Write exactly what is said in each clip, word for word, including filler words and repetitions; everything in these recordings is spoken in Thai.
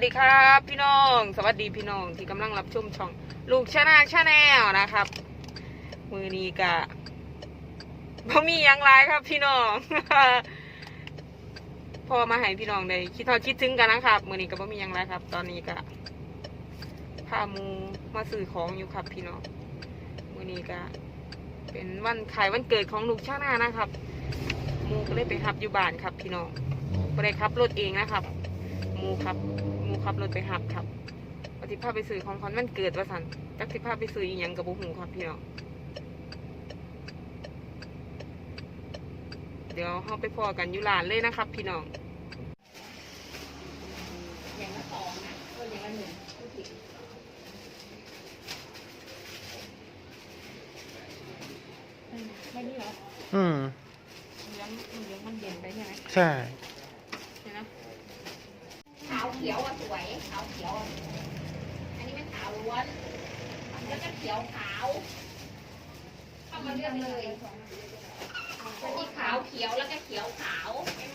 ดีครับพี่น้องสวัสดีพี่น้องที่กำลังรับชมช่องลูกชาแนลชาแนลนะครับมือนี้กะบ่มีอย่างไรครับพี่น้อง พอมาให้พี่น้องได้คิดทอดคิดถึงกันนะครับมือนี้ก็บ่มีอย่างไรครับ ตอนนี้กะพามูมาซื้อของอยู่ครับพี่น้องมือนี้กะเป็นวันขายวันเกิดของลูกชาแนลนะครับมูก็เลยไปขับอยู่บ้านครับพี่น้องไปได้ขับรถเองนะครับมูครับมูขับรถไปหับครับปฏิภาพไปซื้อของขวัญวันเกิดว่าสันจักสิภาพไปซื้ออีหยังกับบุหูครับพี่น้องเดี๋ยวเราไปพอกันอยู่ร้านเลยนะครับพี่น้องอย่างละสองนะก็อย่างละหนึ่งไม่นี่เหรออืมเลี้ยงเลี้ยงมันเย็นไปใช่ไหมใช่เห็นไหมขาวเขียวอ่ะสวยขาวเขียวอันนี้เป็นขาวล้วนแล้วก็เขียวขาวเข้ามาเลือกเลยอันนี้ขาวเขียวแล้วก็เขียวขาว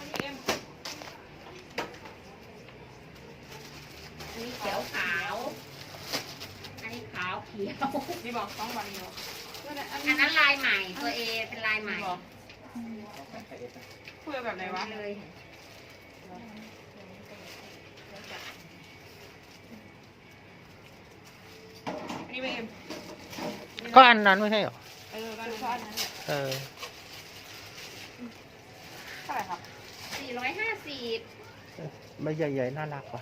อันนี้เขียวขาวอันนี้ขาวเขียวนี่บอกต้องวันนี้อันนั้นลายใหม่ตัวเอเป็นลายใหม่เพื่อแบบไหนวะเลยอันนี้เป็นเอ็มก็อันนั้นไม่ใช่หรอเออก็อันนั้นแหละเออเท่าไหร่ครับสี่ร้อยห้าสิบใบใหญ่ๆน่ารักว่ะ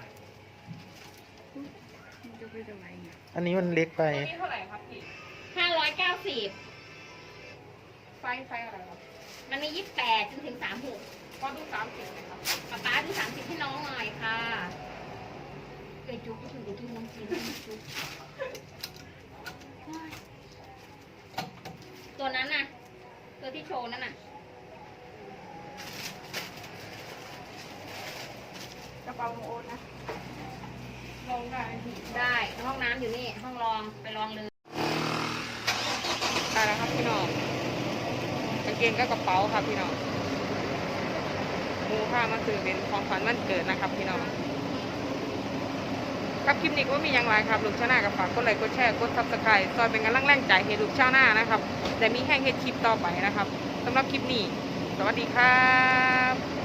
จะไปทำไมอันนี้มันเล็กไปตัวนี้เท่าไหร่ครับพี่ห้าร้อยเก้าสิบไฟไฟอะไรครับมันมียี่สิบแปดจนถึงสามหกก็ดูสามสิบไหมครับป๊าป๊าดูสามสิบให้น้องหน่อยค่ะเกยจุกก็คือจุกน้องจีนจุกตัวนั้นน่ะตัวที่โชว์นั่นน่ะกระเป๋าโอนนะลองได้ได้ห้องน้ำอยู่นี่ห้องรองไปลองเลยได้แล้วครับพี่น้องกางเกงก็กระเป๋าครับพี่น้องมูค่ามาซื้อเป็นของขวัญวันเกิดนะครับพี่น้องครับคลิปนี้ก็มีอย่างไรครับลูกชาวนากับฝากกดไลค์กดแชร์กดซับสไครต์ซอยเป็นกำลังแรงใจให้ลูกชาวนานะครับแต่มีแห้งเฮ็ดคลิปต่อไปนะครับสำหรับคลิปนี้สวัสดีครับ